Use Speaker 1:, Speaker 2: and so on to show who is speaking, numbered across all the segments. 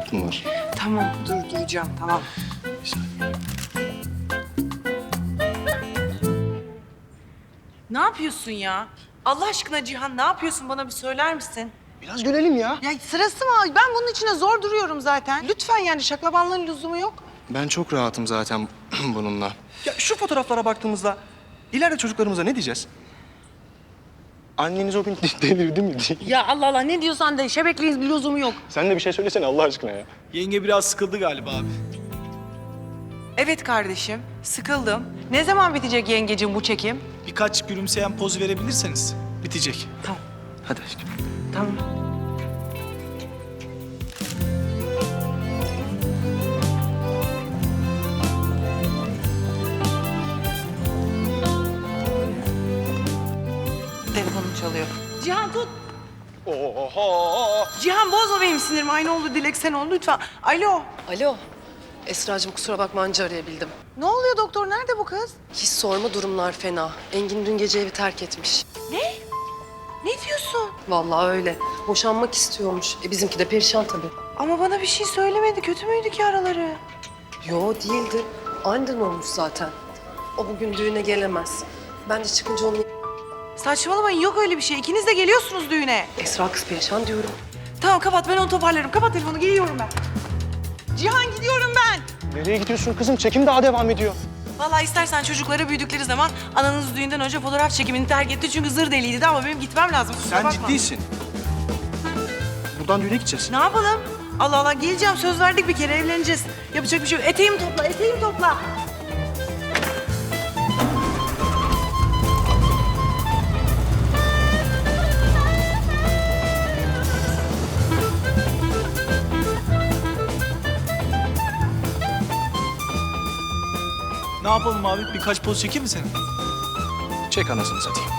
Speaker 1: kart mı var?
Speaker 2: Tamam, duyacağım, tamam.
Speaker 1: Bir saniye.
Speaker 2: Ne yapıyorsun ya? Allah aşkına Cihan, ne yapıyorsun? Bana bir söyler misin?
Speaker 1: Biraz görelim ya.
Speaker 2: Ya sırası mı? Ben bunun içine zor duruyorum zaten. Lütfen yani şaklabanlığın lüzumu yok.
Speaker 1: Ben çok rahatım zaten bununla. Ya şu fotoğraflara baktığımızda ileride çocuklarımıza ne diyeceğiz? Anneniz o gün delirdi mi diye.
Speaker 2: Ya Allah Allah, ne diyorsan de, şebekliğin bir lüzumu yok.
Speaker 1: Sen de bir şey söylesene Allah aşkına ya.
Speaker 3: Yenge biraz sıkıldı galiba abi.
Speaker 2: Evet kardeşim, sıkıldım. Ne zaman bitecek yengecim bu çekim?
Speaker 3: Birkaç gülümseyen poz verebilirseniz bitecek.
Speaker 2: Tamam,
Speaker 1: Hadi aşkım.
Speaker 2: tamam. Telefonum çalıyor. Cihan tut.
Speaker 1: Oho!
Speaker 2: Cihan bozma benim sinirimi. Aynı oldu Dilek, sen ol lütfen. Alo.
Speaker 4: Alo. Esracığım kusura bakma anca arayabildim.
Speaker 2: Ne oluyor doktor? Nerede bu kız?
Speaker 4: Hiç sorma durumlar fena. Engin dün gece evi terk etmiş.
Speaker 2: Ne? Ne diyorsun?
Speaker 4: Vallahi öyle. Boşanmak istiyormuş. Bizimki de perişan tabii.
Speaker 2: Ama bana bir şey söylemedi. Kötü müydü ki araları?
Speaker 4: Yo değildi. Aniden olmuş zaten. O bugün düğüne gelemez. Ben de çıkınca onu...
Speaker 2: Saçmalamayın, yok öyle bir şey. İkiniz de geliyorsunuz düğüne.
Speaker 4: Esra kız perişan diyorum.
Speaker 2: Tamam kapat, ben onu toparlarım. Kapat telefonu, geliyorum ben. Cihan gidiyorum ben.
Speaker 1: Nereye gidiyorsun kızım? Çekim daha devam ediyor.
Speaker 2: Vallahi istersen çocukları büyüdükleri zaman ananız düğünden önce fotoğraf çekimini terk etti. Çünkü zır deliydi de ama benim gitmem lazım. Kusura
Speaker 1: Sen
Speaker 2: bakma.
Speaker 1: ciddisin. Buradan düğüne gideceğiz.
Speaker 2: Ne yapalım? Allah Allah, geleceğim. Söz verdik, bir kere evleneceğiz. Yapacak bir şey yok. Eteğimi topla, eteğimi topla.
Speaker 3: Ne yapalım abi? Birkaç poz çekeyim mi senin?
Speaker 1: Çek anasını satayım.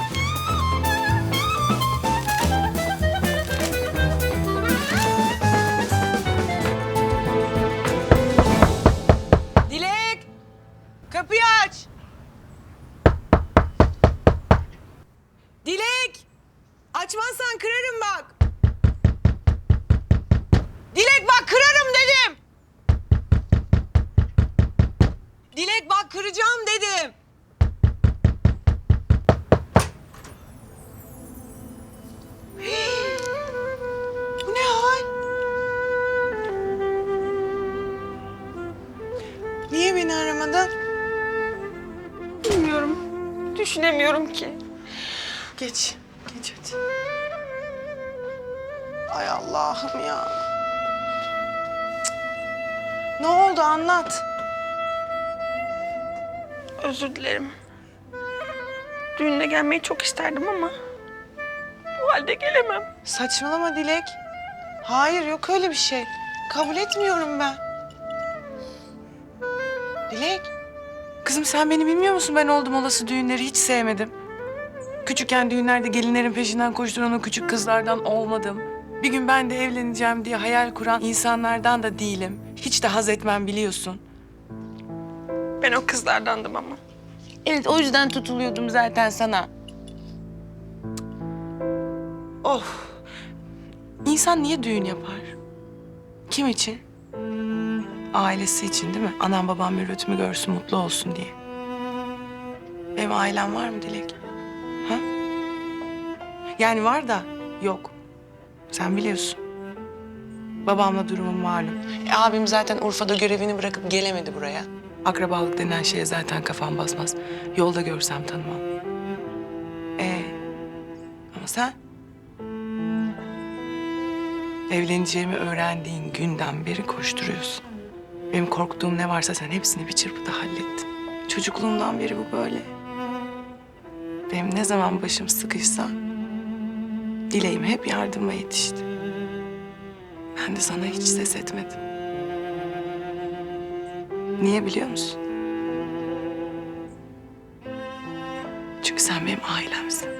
Speaker 2: Dilek! Kapıyı aç! Dilek! Açmazsan kırarım bak! Dilek bak, kırarım dedim! Dilek bak, kıracağım dedim! Bu ne hal? Niye beni aramadın? Bilmiyorum. Düşünemiyorum ki. Geç. Geç hadi. Ay Allah'ım ya. Cık. Ne oldu, anlat.
Speaker 5: Özür dilerim. Düğününe gelmeyi çok isterdim ama bu halde gelemem.
Speaker 2: Saçmalama Dilek. Hayır, yok öyle bir şey. Kabul etmiyorum ben. Dilek. Kızım sen beni bilmiyor musun? Ben oldum olası düğünleri hiç sevmedim. Küçükken düğünlerde gelinlerin peşinden koşturan o küçük kızlardan olmadım. Bir gün ben de evleneceğim diye hayal kuran insanlardan da değilim. Hiç de haz etmem, biliyorsun.
Speaker 5: Ben o kızlardandım ama.
Speaker 2: Evet, o yüzden tutuluyordum zaten sana. Oh. İnsan niye düğün yapar? Kim için? Ailesi için değil mi? Anam babam mürvetimi görsün, mutlu olsun diye. Benim ailem var mı Dilek? Ha? Yani var da yok. Sen biliyorsun. Babamla durumum malum. Abim zaten Urfa'da görevini bırakıp gelemedi buraya. Akrabalık denen şeye zaten kafam basmaz. Yolda görsem tanımam. Ama sen? Evleneceğimi öğrendiğin günden beri koşturuyorsun. Benim korktuğum ne varsa sen hepsini bir çırpıda hallettin. Çocukluğumdan beri bu böyle. Benim ne zaman başım sıkışsa dileğim hep yardıma yetişti. Ben de sana hiç ses etmedim. Niye biliyor musun? Çünkü sen benim ailemsin.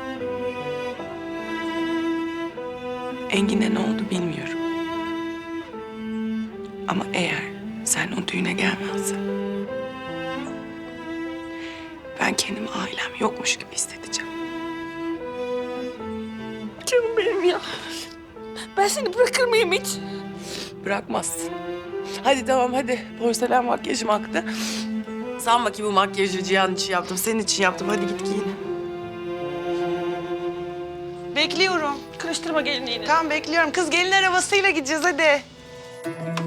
Speaker 2: Engin'e ne oldu bilmiyorum. Ama eğer sen o düğüne gelmezsen... ben kendimi ailem yokmuş gibi hissedeceğim.
Speaker 5: Canım benim ya. Ben seni bırakır mıyım hiç?
Speaker 2: bırakmazsın. Hadi tamam hadi. Porselen makyajım aktı. Sanma ki bu makyajı Cihan için yaptım. Senin için yaptım. Hadi git giyin.
Speaker 5: Bekliyorum. Kırıştırma gelinliğini.
Speaker 2: Tamam bekliyorum. Kız gelin arabasıyla gideceğiz hadi.